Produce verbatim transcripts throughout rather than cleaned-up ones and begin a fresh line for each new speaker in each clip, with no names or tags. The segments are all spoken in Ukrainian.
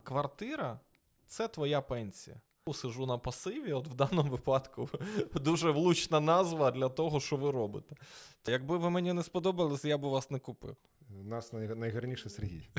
квартира – це твоя пенсія. Сижу на пасиві, от в даному випадку дуже влучна назва для того, що ви робите. Якби ви мені не сподобались, я б у вас не купив.
У нас най- найгарніше Сергій.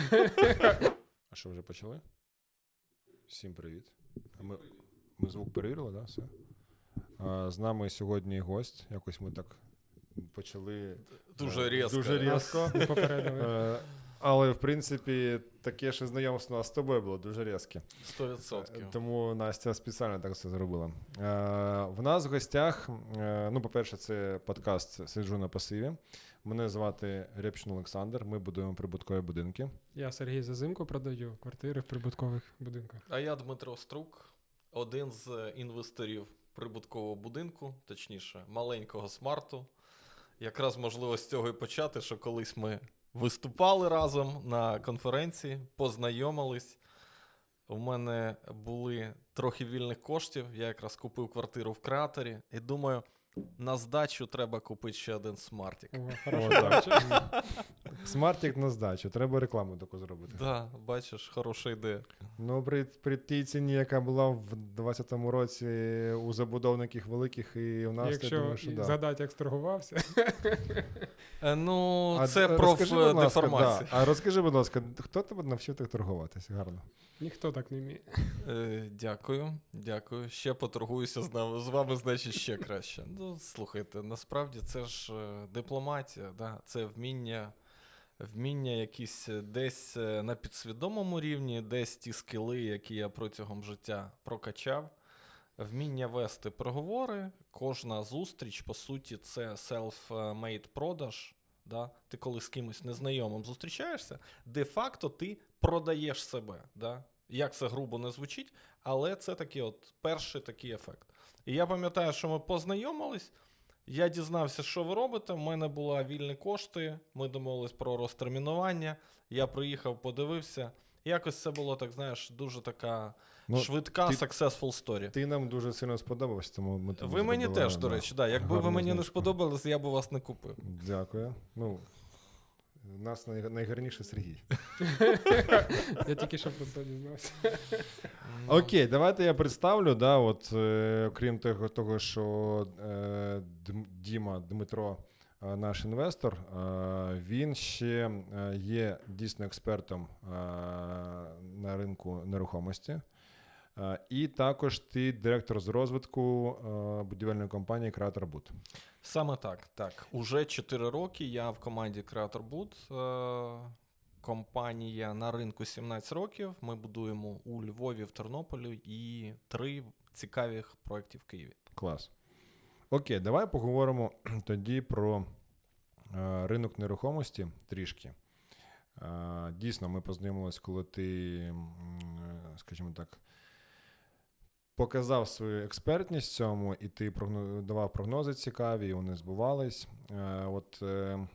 А що, вже почали? Всім привіт. А ми, ми звук перевірили, так? Да? Все? А, з нами сьогодні гость. Якось ми так почали...
Дуже
е,
різко.
Дуже різко.
Не попередили.
Е, Але, в принципі, таке ж знайомство з тобою було дуже різке.
сто відсотків.
Тому Настя спеціально так все зробила. Е, в нас в гостях, е, ну, по-перше, це подкаст «Сиджу на пасиві». Мене звати Рєпшин Олександр, ми будуємо прибуткові будинки.
Я Сергій Зазимко, продаю квартири в прибуткових будинках.
А я Дмитро Струк, один з інвесторів прибуткового будинку, точніше, маленького смарту. Якраз можливо з цього і почати, що колись ми виступали разом на конференції, познайомились. У мене були трохи вільних коштів, я якраз купив квартиру в Креаторі і думаю, на здачу треба купити ще один смартик.
О,
О,
хорошо.
так. Смартик на здачу, треба рекламу таку зробити.
Так, да, бачиш, хороша ідея.
Ну, при, при тій ціні, яка була в двадцятому році у забудовників великих і у нас,
Якщо
я думаю, що да.
згадати, як торгувався.
Е, ну,
А
це
д- розкажи, будь ласка,
профдеформація.
да. А розкажи, будь ласка, хто тебе навчив так торгуватися? Гарно.
Ніхто так не вміє.
Е, дякую, дякую. Ще поторгуюся з, нами, з вами, значить, ще краще. Ну, слухайте, насправді це ж е, дипломатія, да? Це вміння, вміння якісь десь е, на підсвідомому рівні, десь ті скіли, які я протягом життя прокачав. Вміння вести переговори, кожна зустріч, по суті, це self-made продаж. Да? Ти коли з кимось незнайомим зустрічаєшся, де-факто ти продаєш себе. Да? Як це грубо не звучить, але це такий от перший такий ефект. І я пам'ятаю, що ми познайомились, я дізнався, що ви робите, в мене були вільні кошти, ми домовились про розтермінування, я приїхав, подивився. Якось це було, так знаєш, дуже така
Ну,
швидка
ти-
successful story.
Ти нам дуже сильно сподобався, тому ми тобі
Ви мені
зробили,
теж, до
да,
речі, да. Якби ви
гарну
мені не
знижку.
сподобались, я б у вас не купив.
Дякую. Ну, у нас най- найгарніше Сергій.
Я тільки що про це дізнався.
Окей, давайте я представлю, да, от, е, окрім того, того що е, Дм- Діма, Дмитро, е, наш інвестор, е, він ще е, є дійсно експертом е, на ринку нерухомості. Е, і також ти директор з розвитку е, будівельної компанії Creator Boot.
Саме так, так. Уже чотири роки я в команді Creator Boot. Е- компанія на ринку сімнадцять років. Ми будуємо у Львові, в Тернополі і три цікавих проєкти в Києві.
Клас. Окей, давай поговоримо тоді про е, ринок нерухомості трішки. Е, дійсно, ми познайомилися, коли ти, м, е, скажімо так, показав свою експертність в цьому, і ти прогно- давав прогнози цікаві, і вони збувались. Е, от, е,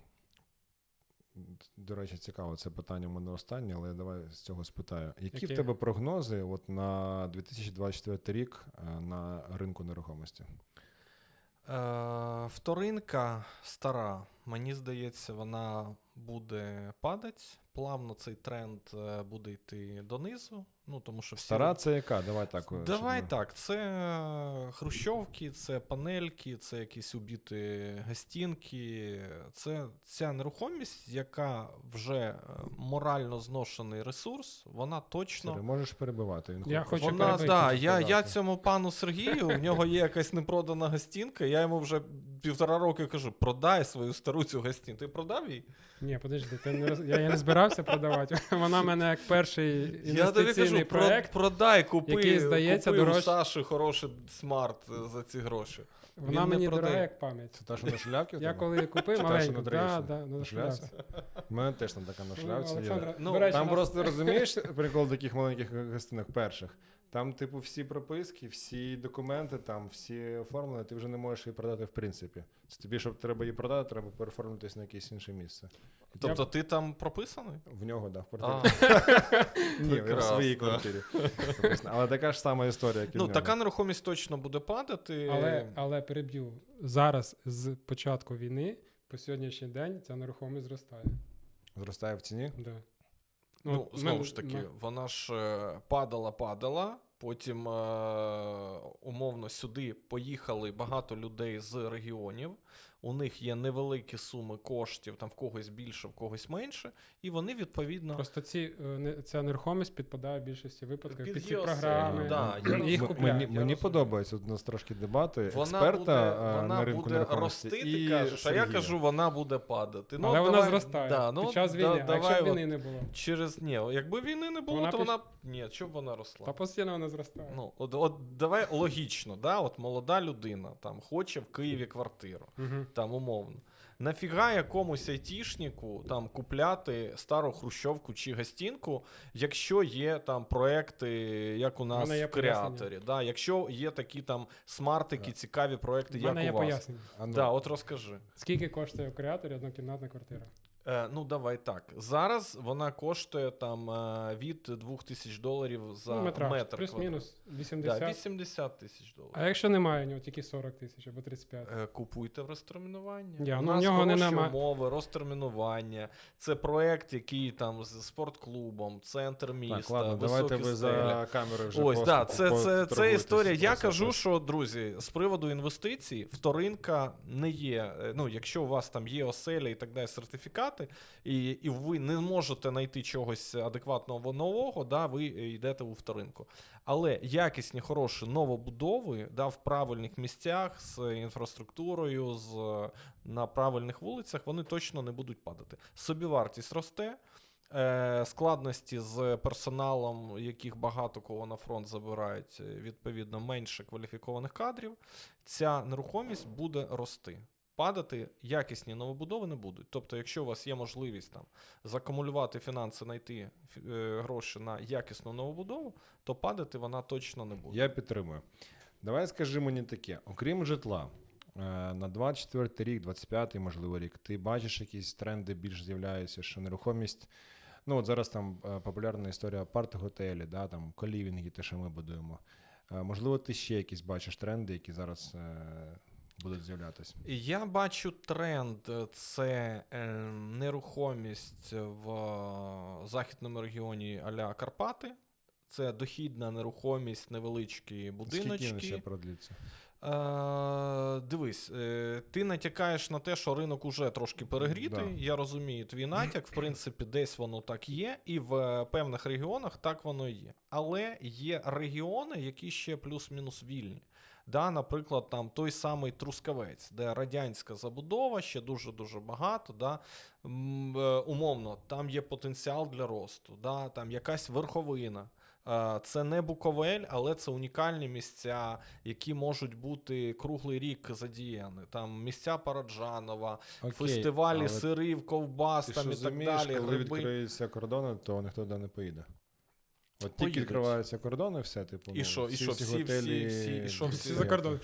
до речі, цікаво, це питання в мене останнє, але давай з цього спитаю. Які
Яке?
в тебе прогнози от на дві тисячі двадцять четвертий рік е, на ринку нерухомості?
Е, вторинка стара. Мені здається, вона буде падати. Плавно цей тренд е, буде йти донизу. Ну, тому що всі...
Стара це яка? Давай так.
Давай
щоб ми-
так, це хрущовки, це панельки, це якісь убіті гостінки, це ця нерухомість, яка вже е, морально зношений ресурс, вона точно...
Сергій, можеш перебивати. Він
Я
хоче-
хочу
Вона,
перебити.
да, я, я
сказати.
цьому пану Сергію, в нього є якась непродана гостінка, я йому вже півтора роки кажу, продай свою стару цю гостінку. Ти продав її?
Ні, подожди, ти не роз... я, я не збирався продавати. Вона в мене як перший
Я тобі
інвестиційний
кажу,
проект.
про, продай, купи,
який, здається,
купи у
дорожче.
Саші хороший смарт е, за ці гроші.
Вона
він не
мені
продає.
дорога як пам'ять.
Це та, що на шляпці? в
Я
тебе?
коли купив
Чи та, що
маленьку,
на
да,
Троєщині?
да, ну,
На
на
шляпці?
шляпці.
У мене теж там така на
Ну,
шляпці є.
Олександра,
Ну,
до речі,
Там
нас-
просто розумієш прикол таких маленьких гостинок перших. Там, типу, всі прописки, всі документи, там всі оформлені, ти вже не можеш її продати в принципі. Це тобі, щоб треба її продати, треба переформитись на якесь інше місце.
Тобто ти там прописаний?
В нього, так, да, в
А,
квартирі. Ні, в
прекрасно.
своїй квартирі. прописано. Але така ж сама історія, як і в
ну,
нього.
така нерухомість точно буде падати.
Але, але переб'ю. Зараз з початку війни по сьогоднішній день ця нерухомість зростає.
Зростає в ціні?
Да.
Ну,
от
знову
ми-
ж таки,
ми-
вона ж е, падала, падала. Потім е, умовно сюди поїхали багато людей з регіонів. У них є невеликі суми коштів, там в когось більше, в когось менше, і вони відповідно
Просто ці, е, не- ця нерухомість підпадає в більшості випадків
Під
під ці
ЄОС,
програми.
да,
і
я
їх
розумію.
М-
купляють.
Мені,
я
мені
розумію.
подобається у нас трошки дебати
вона
експерта
буде,
а,
вона
на ринку
буде
нерухомості.
рости,
і
ти кажеш, а я
Сергія.
кажу, вона буде падати. Ну,
Але вона
давай,
зростає
да, ну,
під час
да-
війни. А
давай
якщо б
от
війни не було,
через ні, якби війни не було,
Вона
то
піш-
вона б- ні, що б вона росла.
та постійно вона зростає.
Ну, от, от давай логічно, да? От молода людина там хоче в Києві квартиру,
Угу.
там умовно. Нафіга якомусь айтішнику там купляти стару хрущовку чи гостінку, якщо є там проекти, як у нас
мене є
в креаторі, да? Якщо є такі там смартики, цікаві проекти,
У
як
мене є
у вас.
пояснення.
А ну,
Да, от розкажи.
Скільки коштує в креаторі однокімнатна квартира?
Е, ну, давай так. Зараз вона коштує там е, від двох тисяч доларів за
Ну, метраж,
метр.
плюс-мінус
квадратний.
вісімдесят.
Да, вісімдесят тисяч доларів.
А якщо немає у нього тільки сорок тисяч або тридцять п'ять?
Е, Купуйте в розтермінування.
Я,
У
ну, в
нас
нього не
хороші
нема-
умови, розтермінування. Це проект, який там з спортклубом, центр міста,
так, ладно,
високі
давайте ви
стелі.
за камери вже
Ось,
просто
да, це,
по-
це, це
поторгуєтесь
історія. Я
просто.
кажу, що, друзі, з приводу інвестицій, вторинка не є. е, Ну, якщо у вас там є оселя і так далі, сертифікати, і, і ви не можете знайти чогось адекватного нового, да, ви йдете у вторинку. Але якісні, хороші новобудови, да, в правильних місцях, з інфраструктурою, з, на правильних вулицях, вони точно не будуть падати. Собівартість росте. Е, складності з персоналом, яких багато кого на фронт забирають, відповідно, менше кваліфікованих кадрів, ця нерухомість буде рости. Падати якісні новобудови не будуть. Тобто, якщо у вас є можливість там закумулювати фінанси, знайти е, гроші на якісну новобудову, то падати вона точно не буде.
Я підтримую. Давай скажи мені таке: окрім житла, е, на двадцять четвертий рік, двадцять п'ятий, можливо, рік, ти бачиш якісь тренди більш з'являються, що нерухомість. Ну, от зараз там е, популярна історія апарт-готелі, да, там колівінги, те, що ми будуємо. Е, можливо, ти ще якісь бачиш тренди, які зараз е, будуть з'являтися.
Я бачу тренд – це е, нерухомість в е, західному регіоні а-ля Карпати. Це дохідна нерухомість, невеличкі будиночки.
Скільки він ще продлиться?
Е, дивись, е, ти натякаєш на те, що ринок уже трошки перегрітий.
Да.
Я розумію твій натяк. В принципі, десь воно так є, і в е, певних регіонах так воно і є. Але є регіони, які ще плюс-мінус вільні. Да, наприклад, там той самий Трускавець, де радянська забудова, ще дуже-дуже багато. Да, м, е, умовно, там є потенціал для росту, да, там якась верховина. Е, Це не Буковель, але це унікальні місця, які можуть бути круглий рік задіяні. Там місця Параджанова,
Окей,
фестивалі
але
сирів, ковбас
Ти
там
що
і так
розумієш,
далі.
коли
гриби.
відкриються кордони, то ніхто туди не поїде. От тільки
Поїдуть.
відкриваються кордони, все, типу,
І
ну,
що, і що, всі-
готелі...
всі- всі- і що,
Всі
всі
за кордон.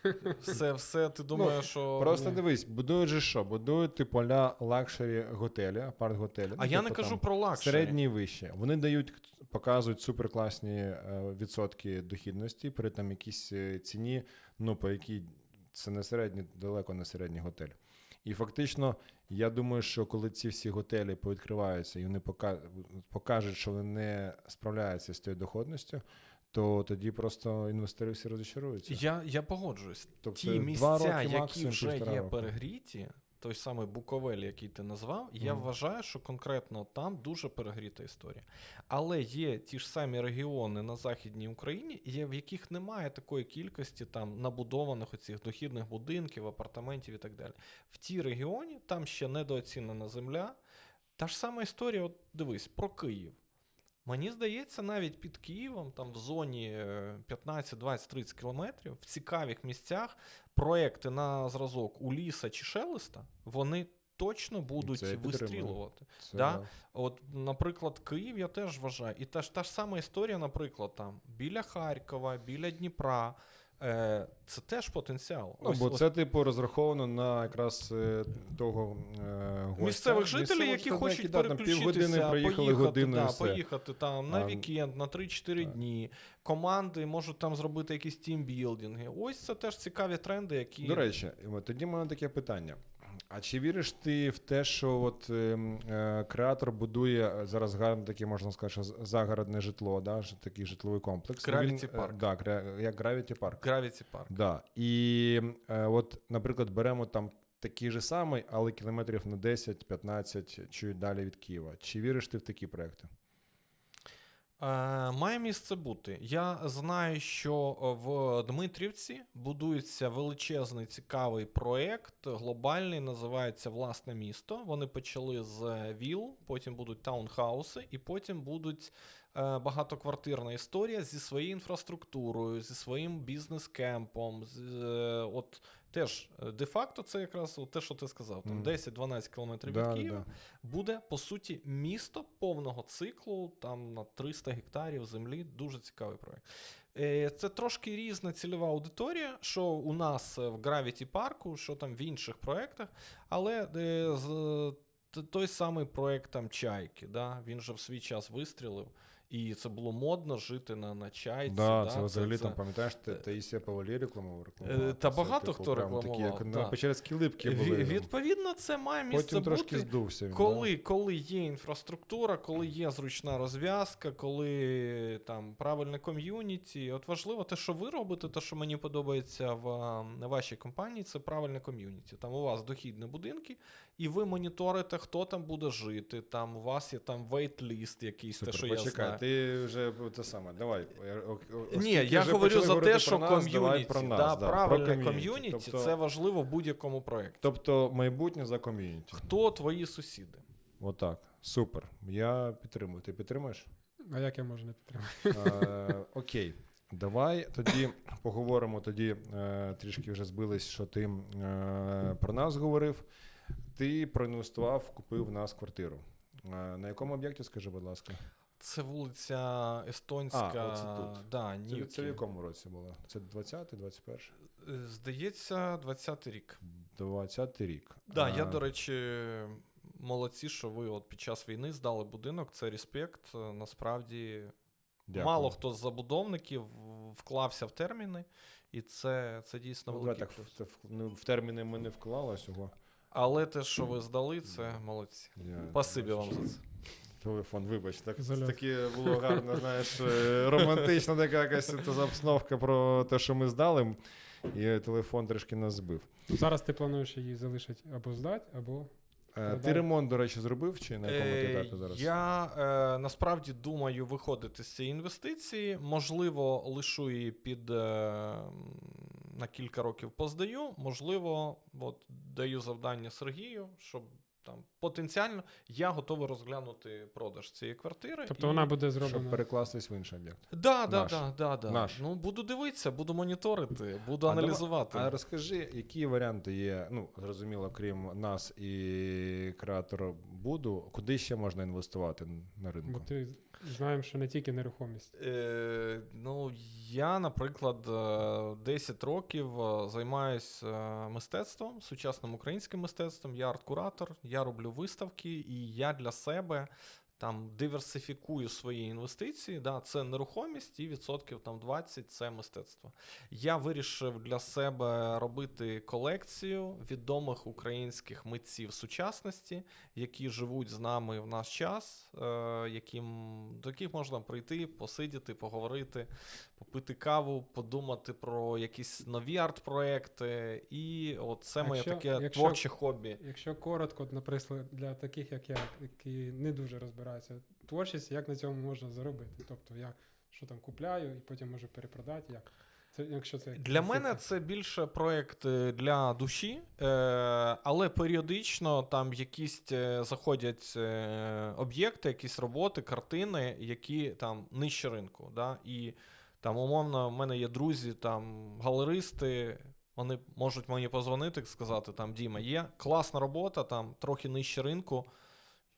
Все, все, ти думаєш, що...
Ну, Просто
ні.
дивись, будують же що? Будують типу ля лакшері готелі, апарт-готелі.
А
ну,
я
типу,
не кажу
там,
про лакшері.
середні і вище. Вони дають, показують суперкласні е, відсотки дохідності при там якійсь е, ціні, ну, по якій це не середній, далеко не середній готель. І фактично, я думаю, що коли ці всі готелі повідкриваються і вони пока- покажуть, що вони не справляються з тією доходністю, то тоді просто інвестори всі розчаруються.
Я, я погоджуюсь.
Тобто
Ті
два
місця,
роки,
які
максимум
вже
півтора
є
року.
перегріті, той самий Буковель, який ти назвав, я
Мгм.
вважаю, що конкретно там дуже перегріта історія. Але є ті ж самі регіони на Західній Україні, є- в яких немає такої кількості там набудованих оцих дохідних будинків, апартаментів і так далі. В ті регіоні там ще недооцінена земля. Та ж сама історія, от дивись, про Київ. Мені здається, навіть під Києвом, там в зоні е, п'ятнадцять, двадцять, тридцять кілометрів, в цікавих місцях, проекти на зразок у Ліса чи Шелеста, вони точно будуть
Це я підтримую.
вистрілювати.
Це,
Да? От, наприклад, Київ я теж вважаю. І та ж, та ж сама історія, наприклад, там біля Харкова, біля Дніпра. Е, це теж потенціал.
Ну,
Ось-
бо
ось
це, типу, розраховано на якраз е, того е, гостя.
місцевих жителів,
Місцевого
які
жителя,
хочуть
да, там
переключитися,
півгодини приїхали,
поїхати,
годину і
да,
все.
поїхати там на
А,
вікенд, на три-чотири
так.
дні. Команди можуть там зробити якісь тімбілдинги. Ось це теж цікаві тренди, які...
До речі, тоді в мене таке питання. А чи віриш ти в те, що от, е, е, креатор будує зараз гарне таке, можна сказати, що з- загородне житло, да? ж- такий житловий комплекс.
Gravity
Він, е,
Park.
Да, гра- як Gravity Park.
Gravity Park.
Да. І е, от, наприклад, беремо там такий же самий, але кілометрів на десять-п'ятнадцять чи далі від Києва. Чи віриш ти в такі проекти?
Е, має місце бути. Я знаю, що в Дмитрівці будується величезний цікавий проєкт, глобальний, називається «Власне місто». Вони почали з віл, потім будуть таунхауси, і потім будуть е, багатоквартирна історія зі своєю інфраструктурою, зі своїм бізнес-кемпом. З, е, от теж, е, де-факто, це якраз от те, що ти сказав, там
Мгм.
десять-дванадцять кілометрів
Да,
від
да,
Києва.
да.
Буде, по суті, місто повного циклу, там на триста гектарів землі. Дуже цікавий проєкт. Е, Це трошки різна цільова аудиторія, що у нас в Gravity Park, що там в інших проєктах, але е, з, т- той самий проєкт там Чайки, да? Він же в свій час вистрілив, і це було модно жити на, на Чайці.
Да,
да?
це взагалі
це,
там, пам'ятаєш, Та- Таїсія Павлі рекламував.
Е, та багато хто рекламував,
Такі, як
да.
на Печерські липки
Ві-
були. там.
Відповідно, це має місце
Потім трошки
бути.
здувся він.
Коли, коли є інфраструктура, коли є зручна розв'язка, коли там правильне ком'юніті. От важливо те, що ви робите, те, що мені подобається в а, вашій компанії, це правильне ком'юніті. Там у вас дохідні будинки, і ви моніторите, хто там буде жити. Там у вас є там вейт-ліст якийсь,
Супер,
те, що
почекай,
я знаю.
ти вже те саме, давай. О- о-
Ні,
оскільки
я
вже
говорю
почали
за
говорити
те, що
про нас, давай
ком'юніті,
про нас,
да,
да,
правильне
про
ком'юніті,
Тобто-
це важливо в будь-якому проєкті.
Тобто майбутнє за ком'юніті.
Хто твої сусіди?
Отак. Супер. Я підтримую. Ти підтримуєш?
А як я можу не підтримати?
Е, Окей. Давай тоді поговоримо. Тоді е, трішки вже збились, що ти е, про нас говорив. Ти проінвестував, купив в нас квартиру. Е, на якому об'єкті, скажи, будь ласка?
Це вулиця Естонська.
А, оце тут.
Да,
Це,
Нівки.
це в якому році було? Це двадцятий, двадцять перший?
Е, Здається, двадцятий рік.
двадцятий рік.
Да,
А,
я, до речі, молодці, що ви от під час війни здали будинок. Це респект. Е, Насправді,
дякую.
мало хто з забудовників вклався в терміни, і це, це дійсно
Ну,
великий
давай так,
плюс.
в, в, ну, в терміни ми не вклали цього.
Але те, що ви здали, це молодці.
Я,
Спасибі вам за це.
Телефон, вибач, так,
Зальот.
таке було гарно, знаєш, е, романтична така якась та обстановка про те, що ми здали, і телефон трішки нас збив.
Зараз ти плануєш її залишити або здати, або
Е, Ти
Продав.
ремонт, до речі, зробив, чи на якому ти
Е,
етапі зараз?
Я е, насправді думаю виходити з цієї інвестиції. Можливо, лишу її під е, на кілька років поздаю. Можливо, от даю завдання Сергію, щоб там потенціально я готовий розглянути продаж цієї квартири.
тобто
і-
вона буде
Щоб
зроблена.
перекластись в інший об'єкт.
Да, да,
Наш.
да, да, да.
Наш.
Ну, буду дивитися, буду моніторити, буду
А давай-
аналізувати.
А розкажи, які варіанти є, ну, зрозуміло, крім нас і креатора Буду, куди ще можна інвестувати на
Бо
ринку?
ти знаємо, що не тільки нерухомість.
Е, ну, я, наприклад, е, десять років е, займаюся е, мистецтвом, сучасним українським мистецтвом. Я арт-куратор, я роблю виставки, і я для себе там диверсифікую свої інвестиції. Да, це нерухомість і відсотків там двадцять це мистецтво. Я вирішив для себе робити колекцію відомих українських митців сучасності, які живуть з нами в наш час, е, яким, до яких можна прийти, посидіти, поговорити, попити каву, подумати про якісь нові арт-проекти. І от це моє
Якщо-
таке
якщо-
творче хобі.
Якщо коротко, наприклад, для таких, як я, які не дуже розбираються в творчості, як на цьому можна заробити? Тобто я що там купляю і потім можу перепродати, як? Це, якщо це
Для мене це більше проєкт е, для душі, е, але періодично там якісь е, заходять е, об'єкти, якісь роботи, картини, які там нижче ринку. Да? І там, умовно, в мене є друзі, там галеристи, вони можуть мені позвонити і сказати, там, Діма, є класна робота, там трохи нижче ринку,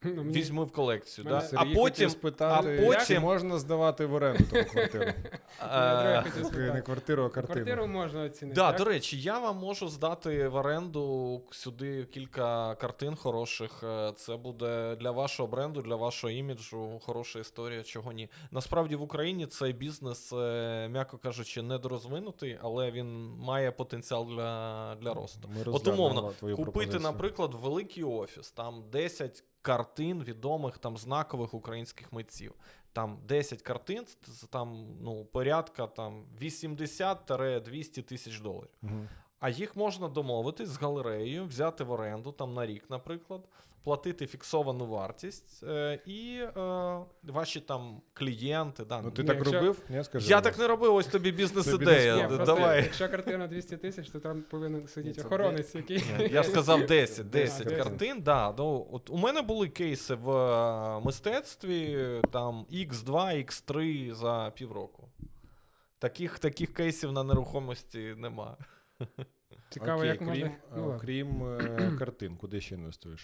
Ну, мені-
візьми в колекцію.
Мене
Да?
Сергій
А
хотів
потім,
спитати,
а потім-
чи можна здавати в оренду таку квартиру?
Я друге
е,
хотів
Не
спитати.
квартиру, а
Квартиру
картину.
можна оцінити.
Да,
як?
до речі, я вам можу здати в оренду сюди кілька картин хороших. Е, Це буде для вашого бренду, для вашого іміджу хороша історія, чого ні. Насправді в Україні цей бізнес, е, м'яко кажучи, недорозвинутий, але він має потенціал для, для росту.
Ми
От
розглянемо
умовно,
твою
купити,
пропозицію.
наприклад, великий офіс, там десять картин відомих там знакових українських митців. Там десять картин, це там, ну, порядка там вісімдесят-двісті тисяч доларів.
Мгм.
А їх можна домовитись з галереєю, взяти в оренду там на рік, наприклад, платити фіксовану вартість, е, і е, ваші там клієнти. Да,
Ну ти
Ні,
так
якщо-
робив? Ні, скажи.
я
мені.
так не робив, ось тобі
Ні,
бізнес-ідея.
бізнес-план.
Д-
просто,
Давай.
Якщо картина двісті тисяч, то там повинен сидіти
це
охоронець, який.
Я сказав десять, десять
десять.
картин. Да, ну, от у мене були кейси в е, мистецтві, там ікс два, ікс три за півроку. Таких, таких кейсів на нерухомості нема.
Цікаво,
Окей,
як
крім,
можна.
е,
Ну, ладно.
крім е, картин, куди ще інвестуєш?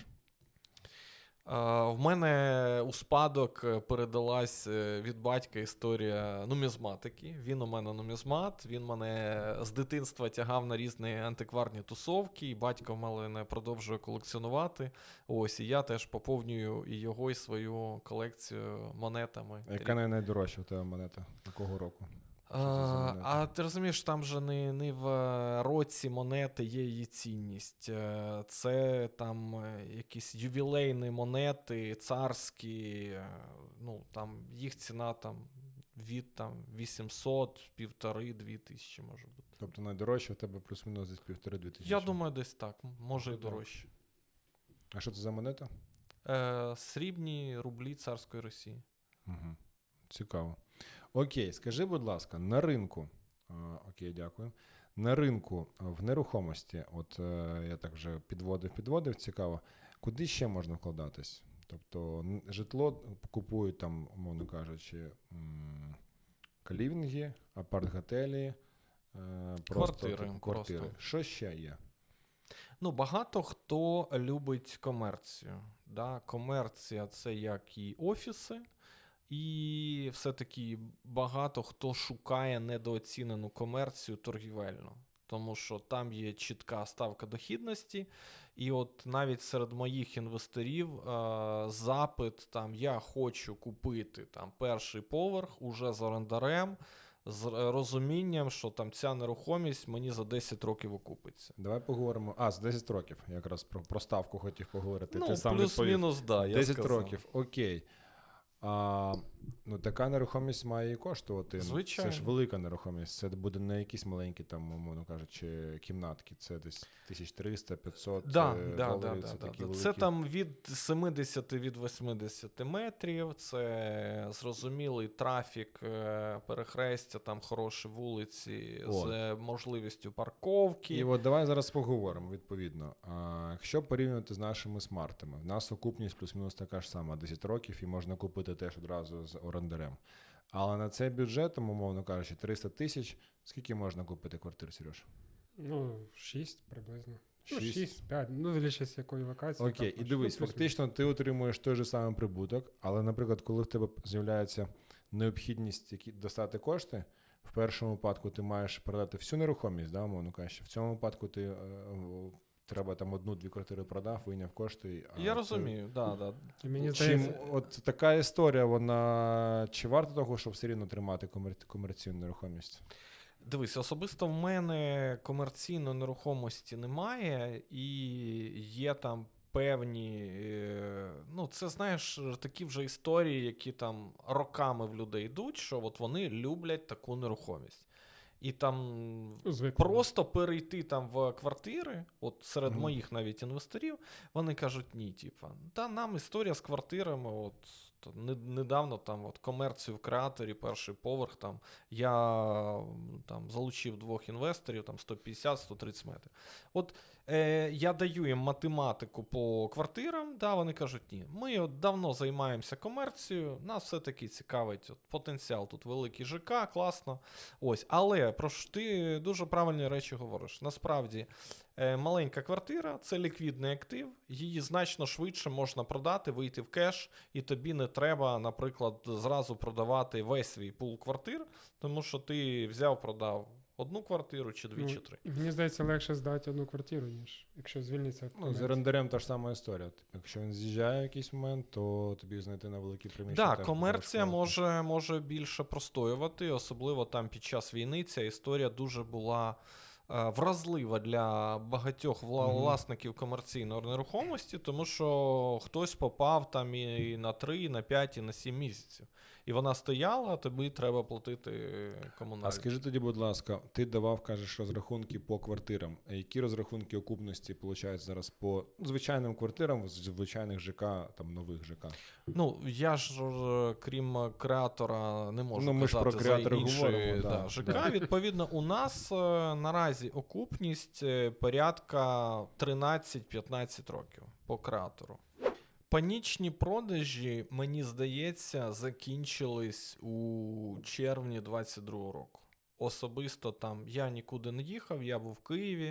Е, В мене у спадок е, передалась е, від батька історія нумізматики. Він у мене нумізмат, він мене з дитинства тягав на різні антикварні тусовки, і батько в мене продовжує колекціонувати. Ось, і я теж поповнюю і його, і свою колекцію монетами.
Яка най- найдорожча у тебе монета? Якого року? Що це за
А,
монета?
а ти розумієш, там же не, не в е, році монети є її цінність. Е, Це там е, якісь ювілейні монети, царські, е, ну там їх ціна там від там вісімсот, півтори, дві тисячі може бути.
Тобто найдорожча у тебе плюс-мінус десь півтори-дві тисячі.
Я думаю, десь так, м- може і
Ну, так.
дорожче.
А що це за монета?
Е, Срібні рублі царської Росії.
Угу. Цікаво. Окей, скажи, будь ласка, на ринку, а, окей, дякую. На ринку а, в нерухомості, от е, я так вже підводив, підводив, цікаво, куди ще можна вкладатись? Тобто н- житло купують там, умовно кажучи, м, калівінги, апарт-готелі, е, просто
Квартири,
типу, квартири.
просто.
Що ще є?
Ну, багато хто любить комерцію. Да? Комерція це як і офіси, і все-таки багато хто шукає недооцінену комерцію торгівельну. Тому що там є чітка ставка дохідності, і от навіть серед моїх інвесторів е, запит там я хочу купити там перший поверх уже з орендарем, з е, розумінням, що там ця нерухомість мені за десять років окупиться.
Давай поговоримо. А, з десять років. Я якраз про, про ставку хотів поговорити.
Ну,
Ти сам відповів.
плюс-мінус, да, я
десять
сказав.
років, окей. А, ну, така нерухомість має і коштувати. Ну,
Звичайно.
Це ж велика нерухомість. Це буде не якісь маленькі, там, умовно кажучи, кімнатки. Це десь тисяча триста - п'ятсот
Да,
е,
да,
доларів.
да,
Це
да,
такі
да.
великі.
Це там від семидесяти від восьмидесяти метрів, це зрозумілий трафік, е, перехрестя, там хороші вулиці
О.
з е, можливістю парковки.
І от давай зараз поговоримо, відповідно. А, якщо порівнювати з нашими смартами, в нас окупність плюс-мінус така ж сама, десять років, і можна купити теж одразу з орендарем. Але на цей бюджет, там, умовно кажучи, триста тисяч, скільки можна купити квартир, Сереж?
Ну, шість приблизно. Ну,
Шість.
шість, п'ять. Ну, дивлячись, якої локації.
Окей,
також.
і дивись,
Ну, плюс-мінус.
фактично ти отримуєш той же самий прибуток, але, наприклад, коли в тебе з'являється необхідність які, достати кошти, в першому випадку ти маєш продати всю нерухомість, да, умовно кажучи. В цьому випадку ти е, е, треба там одну-дві квартири продав, вийняв кошти. А
Я
це-
розумію, да, да.
І мені
Чим
здається,
от така історія, вона чи варто того, щоб все рівно тримати комер... комерційну нерухомість?
Дивись, особисто в мене комерційної нерухомості немає, і є там певні, е, ну це знаєш, такі вже історії, які там роками в людей йдуть, що от вони люблять таку нерухомість. І там
ну, звикли.
просто перейти там в квартири, от серед
Мгм.
моїх навіть інвесторів, вони кажуть, ні, типа, та нам історія з квартирами, от то не- недавно там от комерцію в креаторі, перший поверх, там я м, там залучив двох інвесторів, там сто п'ятдесят - сто тридцять метрів. От е, я даю їм математику по квартирам, да, вони кажуть, ні, ми от давно займаємося комерцією, нас все-таки цікавить от, потенціал, тут великий ЖК, класно. Ось, але про що ти дуже правильні речі говориш. Насправді, Е, маленька квартира – це ліквідний актив, її значно швидше можна продати, вийти в кеш, і тобі не треба, наприклад, зразу продавати весь свій пул квартир, тому що ти взяв, продав одну квартиру, чи дві,
Ну,
чи три.
Мені здається, легше здати одну квартиру, ніж якщо звільниться.
Ну, з
комерція.
орендарем та ж сама історія. Типу, якщо він з'їжджає в якийсь момент, то тобі знайти на великій приміщенні.
Так,
теж
комерція
буде важко.
може, може більше простоювати, особливо там під час війни ця історія дуже була е, вразлива для багатьох вла-
Мгм.
власників комерційної нерухомості, тому що хтось попав там і, і на три, і на п'ять, і на сім місяців. І вона стояла, а тобі треба платити комунальні.
А скажи тоді, будь ласка, ти давав, кажеш, розрахунки по квартирам. А які розрахунки окупності получають зараз по звичайним квартирам, з звичайних ЖК, там нових ЖК?
Ну, я ж, е, крім креатора, не можу
Ну, ми ж
казати
про
за
креатора
інші
говоримо,
да,
да,
ЖК.
да.
Відповідно, у нас е, наразі окупність е, порядка тринадцять-п'ятнадцять років по креатору. Панічні продажі, мені здається, закінчились у червні двадцять другого року. Особисто там я нікуди не їхав, я був в Києві.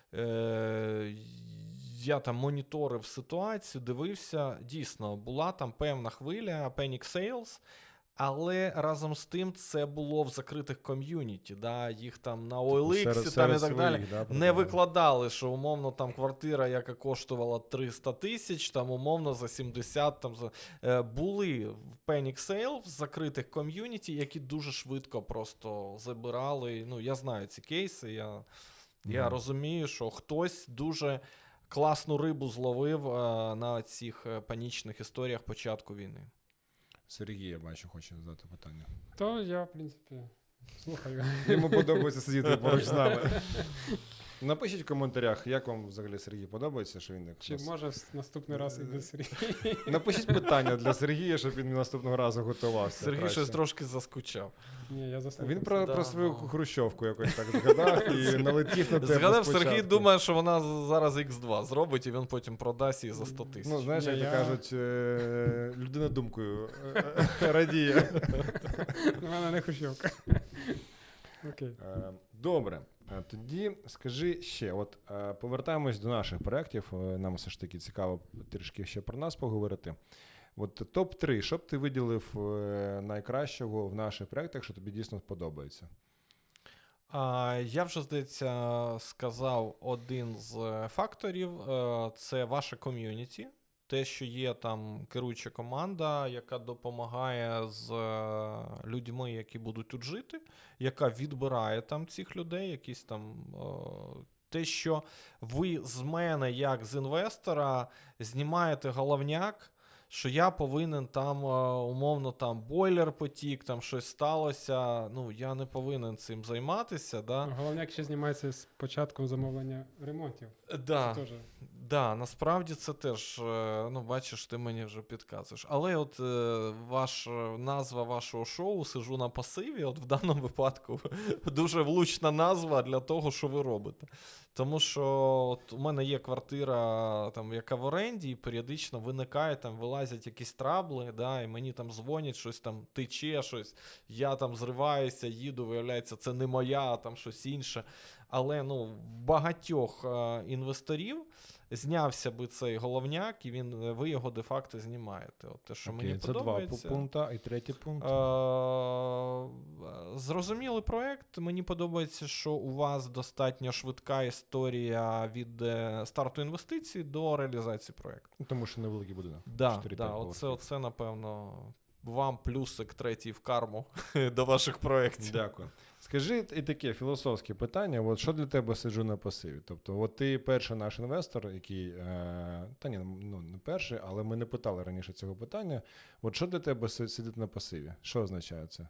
Е- я там моніторив ситуацію, дивився. Дійсно, була там певна хвиля Panic Sales, але разом з тим це було в закритих ком'юніті. Да? Їх там на о ел ікс
Серед-
там
серед
і так далі.
своїх, да,
Не
продавали.
викладали, що умовно там квартира, яка коштувала триста тисяч, там умовно за сімдесят. Там, за... Е, були в Panic Sale в закритих ком'юніті, які дуже швидко просто забирали. Ну, я знаю ці кейси, я, я
Мгм.
розумію, що хтось дуже класну рибу зловив е, на цих е, панічних історіях початку війни.
Сергій, я бачу, хоче задати питання.
То я, в принципі, слухаю.
Йому подобається сидіти поруч з нами. Напишіть в коментарях, як вам взагалі Сергій подобається, що він як
Чи
нас-
може в наступний раз іде Сергій?
Напишіть питання для Сергія, щоб він наступного разу готувався.
Сергій
краще.
щось трошки заскучав.
Ні, я заслухав.
Він про,
Да,
про свою
ну.
хрущовку якось так згадав і налетів на тебе
Згадав,
спочатку.
Сергій думає, що вона з- зараз ікс два зробить, і він потім продасть її за сто тисяч.
Ну, знаєш,
Ні,
як то
я-
кажуть, е, людина думкою е, е, радіє.
У мене не хущовка. Окей.
Е, Добре, Е, тоді скажи ще, от е, повертаємось до наших проєктів, е, нам все ж таки цікаво трішки ще про нас поговорити. От топ три, що б ти виділив е, найкращого в наших проєктах, що тобі дійсно подобається?
А, я вже, здається, сказав один з е, факторів е, – це ваше ком'юніті. Те, що є там керуюча команда, яка допомагає з е, людьми, які будуть тут жити, яка відбирає там цих людей, якісь там. Е, те, що ви з мене, як з інвестора, знімаєте головняк, що я повинен там, е, умовно, там бойлер потік, там щось сталося. Ну, я не повинен цим займатися. Да?
Головняк ще знімається з початком замовлення ремонтів.
Да.
Це теж.
Да, насправді це теж, е, ну, бачиш, ти мені вже підказуєш. Але от е, ваш, е, назва вашого шоу «Сижу на пасиві», от в даному випадку дуже влучна назва для того, що ви робите. Тому що от у мене є квартира, там, яка в оренді, і періодично виникає, там, вилазять якісь трабли, да, і мені там дзвонять, щось там тече, щось, я там зриваюся, їду, виявляється, це не моя, а там щось інше. Але, ну, в багатьох е, інвесторів знявся би цей головняк, і він, ви його де-факто знімаєте. От те, що
Окей,
мені
це два
подобається.
пункта, і третій пункт.
Е, Зрозумілий проект. Мені подобається, що у вас достатньо швидка історія від е, старту інвестицій до реалізації проекту.
Ну, тому що невеликий будинок.
Да,
чотири-п'ять
да, оце,
поверхів.
оце, напевно, вам плюсик третій в карму до ваших проєктів.
Дякую. Скажи і таке філософське питання, от що для тебе сиджу на пасиві? Тобто, от ти перший наш інвестор, який, е, та ні, ну не перший, але ми не питали раніше цього питання. От що для тебе си- сидіти на пасиві? Що означає це?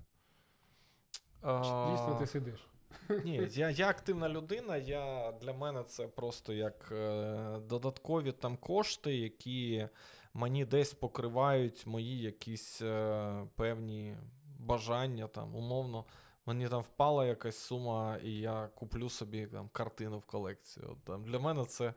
Чи Дійсно,
А,
ти сидиш.
Ні, я, я активна людина, я, для мене це просто як е, додаткові там кошти, які мені десь покривають мої якісь е, певні бажання, там, умовно. Мені там впала якась сума, і я куплю собі там картину в колекцію. От, там, для мене це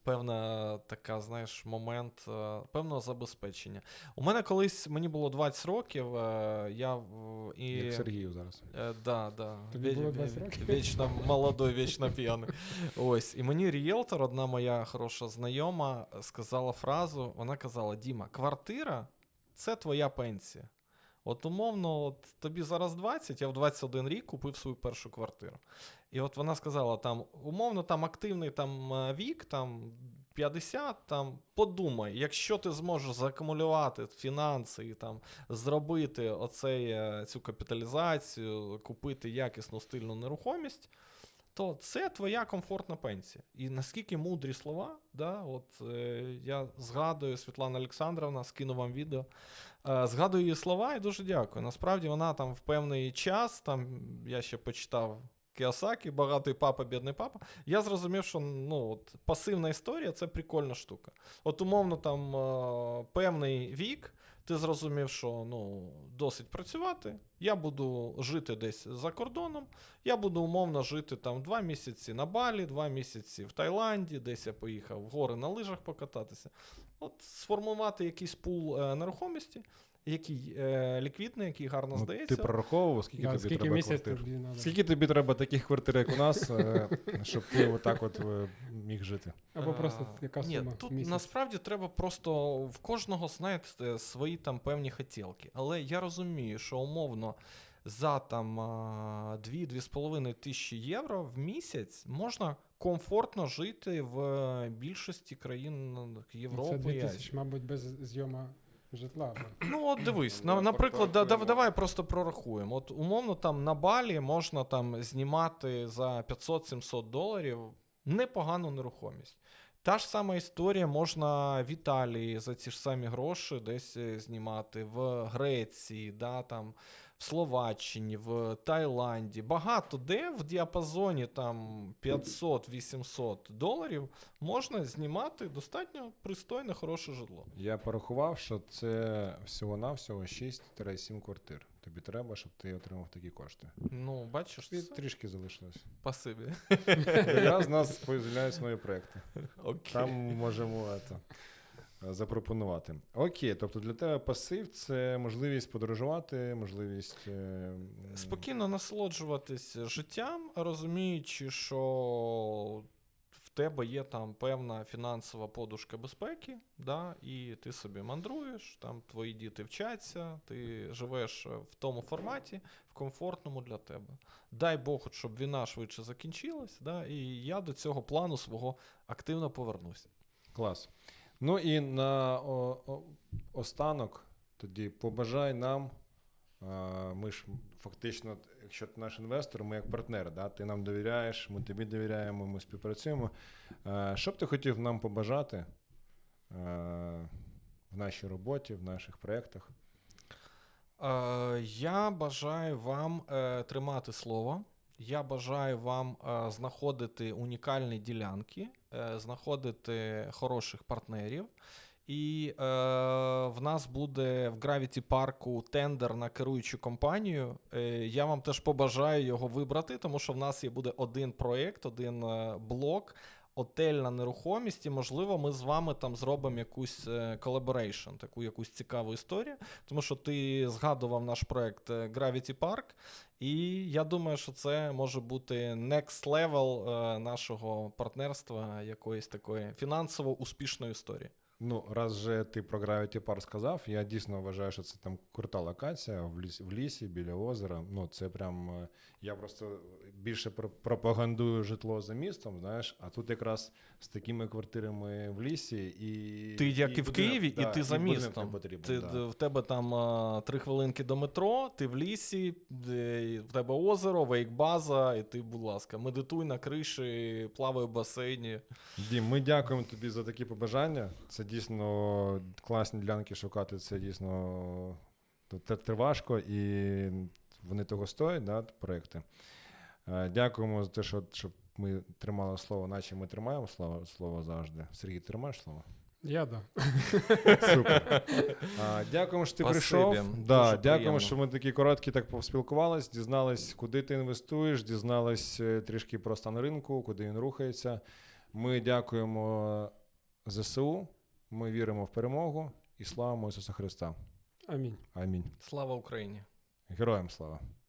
певна така, знаєш, момент е, певного забезпечення. У мене колись, мені було двадцять років, е, я в- і...
Як Сергію зараз.
Е, да, да.
Тобі
Ві-
було
ві-
двадцять років?
Вічно молодой, вічно п'яний. Ось. І мені ріелтор, одна моя хороша знайома, сказала фразу, вона казала: Діма, квартира – це твоя пенсія. От умовно, от тобі зараз двадцять, я в двадцять один рік купив свою першу квартиру. І от вона сказала, там, умовно, там активний там, е, вік, там, п'ятдесят, там, подумай, якщо ти зможеш заакумулювати фінанси і там, зробити оцей, е, цю капіталізацію, купити якісну стильну нерухомість, то це твоя комфортна пенсія. І наскільки мудрі слова, да, от е, я згадую, Світлана Олександровна, скину вам відео, е, згадую її слова і дуже дякую. Насправді вона там в певний час, там я ще почитав Кіосакі, багатий папа, бідний папа, я зрозумів, що ну, от, пасивна історія – це прикольна штука. От умовно там е, певний вік, ти зрозумів, що ну, досить працювати, я буду жити десь за кордоном, я буду умовно жити там два місяці на Балі, два місяці в Таїланді, десь я поїхав в гори на лижах покататися. От сформувати якийсь пул е, нерухомості, який е, ліквідний, який гарно
Ну,
здається.
ти прораховував, скільки
Да,
тобі
скільки
треба
місяць
квартир?
тобі надо?
Скільки тобі треба таких квартир, як у нас, е, щоб ти отак от е, міг жити?
Або просто
А,
яка
Ні,
сума в
тут
місяць?
насправді треба просто в кожного, знаєте, свої там певні хотілки. Але я розумію, що умовно за там дві-дві з половиною тисячі євро в місяць можна комфортно жити в більшості країн Європи.
Це
і
дві
Азії.
тисячі, мабуть, без зйома житла. бо-
Ну, от дивись,
Ну,
на, наприклад, да, да,
порахуємо.
давай просто прорахуємо. От умовно там на Балі можна там знімати за п'ятсот-сімсот доларів непогану нерухомість. Та ж сама історія можна в Італії за ці ж самі гроші десь е, знімати, в Греції, да, там, в Словаччині, в Таїланді. Багато де в діапазоні там п'ятсот-вісімсот доларів можна знімати достатньо пристойне, хороше житло.
Я порахував, що це всього-навсього шість-сім квартир. Тобі треба, щоб ти отримав такі кошти.
Ну, бачиш,
І
це
трішки залишилось.
пасиві.
Якраз у нас з'являються нові проекти.
Окей.
Там можемо ето, запропонувати. Окей, тобто для тебе пасив – це можливість подорожувати, можливість... е, м,
Спокійно насолоджуватись життям, розуміючи, що в тебе є там певна фінансова подушка безпеки, да, і ти собі мандруєш, там твої діти вчаться, ти живеш в тому форматі, в комфортному для тебе. Дай Бог, щоб війна швидше закінчилась, да, і я до цього плану свого активно повернуся.
Клас. Ну і на о, о, останок тоді побажай нам, а, ми ж фактично, якщо ти наш інвестор, ми як партнери, да? Ти нам довіряєш, ми тобі довіряємо, ми співпрацюємо. А, що б ти хотів нам побажати а, в нашій роботі, в наших проєктах?
Е, Я бажаю вам е, тримати слово. Я бажаю вам е, знаходити унікальні ділянки, е, знаходити хороших партнерів. І е, в нас буде в Gravity парку тендер на керуючу компанію. Е, я вам теж побажаю його вибрати, тому що в нас є буде один проєкт, один е, блок, отельна нерухомість, і, можливо, ми з вами там зробимо якусь колаборейшн, таку якусь цікаву історію, тому що ти згадував наш проєкт Gravity Park, і я думаю, що це може бути next level е, нашого партнерства, якоїсь такої фінансово успішної історії.
Ну, раз же ти про Gravity Park сказав, я дійсно вважаю, що це там крута локація в лісі, в лісі біля озера. Ну, це прям, е, я просто більше про- пропагандую житло за містом, знаєш, а тут якраз з такими квартирами в лісі і...
Ти як і в
будинок-
Києві,
да,
і ти за
будинок
містом.
не потрібен,
Ти,
да.
В тебе там а, три хвилинки до метро, ти в лісі, де, в тебе озеро, вейкбаза, і ти, будь ласка, медитуй на криші, плавай в басейні.
Дім, ми дякуємо тобі за такі побажання. Це дійсно класні ділянки шукати, це дійсно це, це важко і вони того стоять, да, проекти. Е, Дякуємо за те, що, що ми тримали слово, наче ми тримаємо слово, слово завжди. Сергій, тримаєш слово?
Я, да.
Супер. А, дякуємо, що ти
Спасибі.
прийшов.
Дуже
Да,
приємно.
дякуємо, що ми такі короткі так поспілкувались, дізнались, куди ти інвестуєш, дізнались е, трішки про стан ринку, куди він рухається. Ми дякуємо ЗСУ, ми віримо в перемогу і славимо Ісуса Христа.
Амінь.
Амінь.
Слава Україні!
Героям слава!